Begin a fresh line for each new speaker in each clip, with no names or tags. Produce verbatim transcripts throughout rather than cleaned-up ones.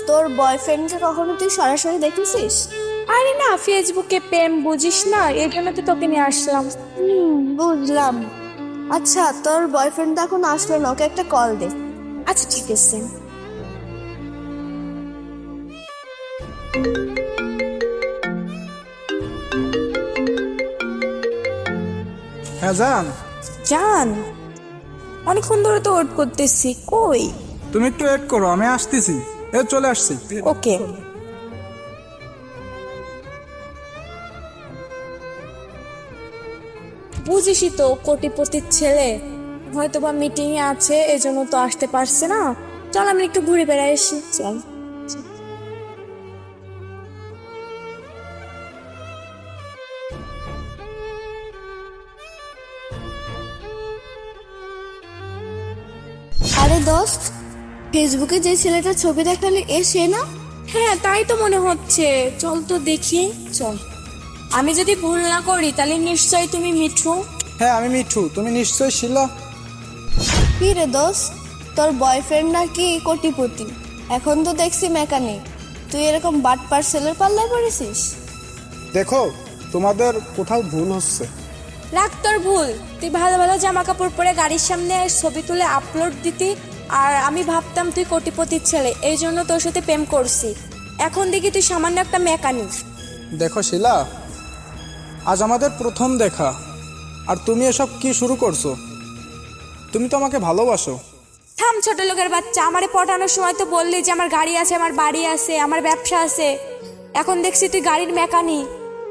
তোর বয়ফ্রেন্ডকে কখনো তুই সরাসরি দেখেছিস?
আরে না, ফেসবুকে প্রেম বুঝিস না, এই জন্য তো তোকে নিয়ে আসলাম।
হুম, বুঝলাম। আচ্ছা, তোর বয়ফ্রেন্ড এখন আসলো না, ওকে একটা কল দে।
আচ্ছা ঠিক আছে।
হ্যাঁ জান,
জান, অনেকক্ষণ ধরে তো ওয়েট করতেছি, কই?
তুমি একটু ওয়েট করো, আমি আসতেছি। এ চলে আসছি।
ওকে। বুঝিসই তো, কোটিপতির ছেলে, হয়তো বা মিটিং এ আছে, এজন্য তো আসতে পারছে না। চল আমি একটু ঘুরে বেড়াই আসি, চল।
আরে দোস্ত, ফেসবুকে যে ছেলেটার ছবি দেখালি এ সে না?
হ্যাঁ তাই তো মনে হচ্ছে, চল তো দেখি, চল। আমি যদি ভুল না করি তাহলে নিশ্চয়ই তুমি মিঠু।
হ্যাঁ আমি মিঠু, তুমি নিশ্চয়ই শিলা।
কি রে দোস্ত, তোর বয়ফ্রেন্ড নাকি কোটিপতি, এখন তো দেখছি মেকানিক, তুই এরকম বাট পার্সেলের পাল্লায় পড়েছিস?
দেখো, তোমাদের কোথাও ভুল হচ্ছে।
রাখ তোর ভুল, তুই ভালো ভালো জামা কাপড় পরে গাড়ির সামনে ছবি তুলে আপলোড দিতি, আর আমি ভাবতাম তুই কোটিপতির ছেলে, এই জন্য তোর সাথে প্রেম করছি। এখন দেখি তুই সামান্য একটা মেকানিক।
দেখো শিলা, আজ আমাদের প্রথম দেখা, আর তুমি এসব কি শুরু করছো? তুমি তো আমাকে ভালোবাসো।
থাম ছোট লোকের বাচ্চা, আমারে পটানোর সময় তো বললি যে আমার গাড়ি আছে, আমার বাড়ি আছে, আমার ব্যবসা আছে, এখন দেখছি তুই গাড়ির মেকানিক।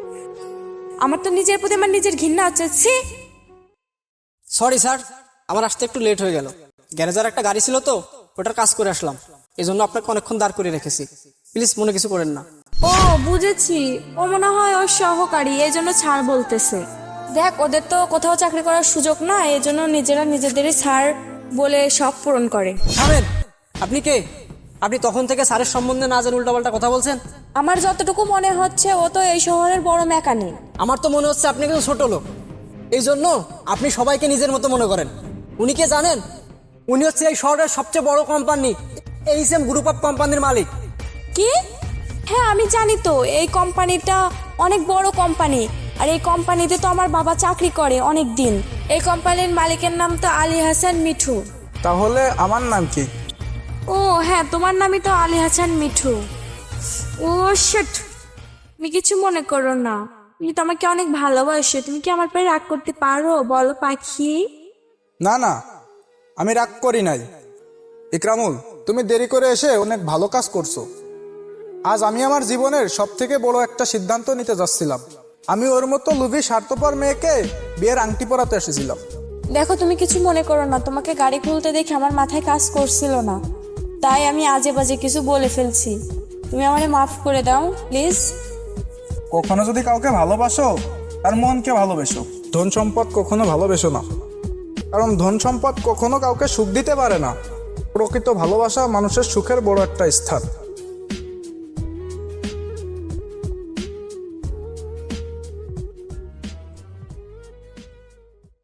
আমার তো নিজের প্রতি আমার নিজের ঘৃণা হচ্ছে। ছি!
সরি স্যার, আমার আসতে একটু লেট হয়ে গেল। গ্যারেজার একটা গাড়ি ছিল তো, ওটার কাজ করে আসলাম, এই জন্য আপনাকে অনেকক্ষণ দাঁড় করে রেখেছি। প্লিজ মনে কিছু করেন না।
ও বুঝেছি, ও মনে হয় ওর সহকারী, এই জন্য ছাড় বলতেছে। দেখ, ওদের তো কোথাও চাকরি করার সুযোগ না, এই জন্য নিজেরা নিজেদেরই ছাড় বলে সব পূরণ করে।
থামেন, আপনি কে? আপনি তখন থেকে স্যারের সম্বন্ধে না জেনে উল্টাপাল্টা কথা বলছেন।
আমার যতটুকু মনে হচ্ছে ও তো এই শহরের বড় মেকানিক।
আমার তো মনে হচ্ছে আপনি কিন্তু ছোট লোক, এই জন্য আপনি সবাইকে নিজের মতো মনে করেন। উনি কে জানেন? উনি হচ্ছে এই শহরের সবচেয়ে বড় company H M group of কোম্পানির মালিক।
কি? হ্যাঁ আমি জানি তো, এই কোম্পানিটা অনেক বড় কোম্পানি, আর এই কোম্পানিতে তো আমার বাবা চাকরি করে অনেক দিন। এই কোম্পানির মালিকের নাম তো আলী হাসান মিঠু।
তাহলে আমার নাম কি?
ও হ্যাঁ, তোমার নামই তো আলী হাসান মিঠু। ও শিট, তুমি কিছু মনে করো না, তুমি তো আমাকে অনেক ভালোবাসো, তুমি কি আমার পরে রাগ করতে পারো বলো পাখি?
না না, আমি রাগ করি নাই। ইকরামুল, তুমি দেরি করে এসে অনেক ভালো কাজ করছো। আজ আমি আমার জীবনের সব থেকে বড় একটা সিদ্ধান্ত নিতে যাচ্ছিলাম। আমি ওর মতো লুভি স্বার্থপর মেয়েকে বিয়ের আংটি পরাতে এসেছিলাম।
দেখো, তুমি কিছু মনে করো না, তোমাকে গাড়ি খুলতে দেখে আমার মাথায় কাজ করছিল না, তাই আমি আজে বাজে কিছু বলে ফেলছি। তুমি আমারে মাফ করে দাও প্লিজ।
কখনো যদি কাউকে ভালোবাসো, তার মনকে ভালোবেসো, ধন সম্পদ কখনো ভালোবেসো না, কারণ ধন সম্পদ কখনো কাউকে সুখ দিতে পারে না। প্রকৃত ভালোবাসা মানুষের সুখের বড় একটা স্থান।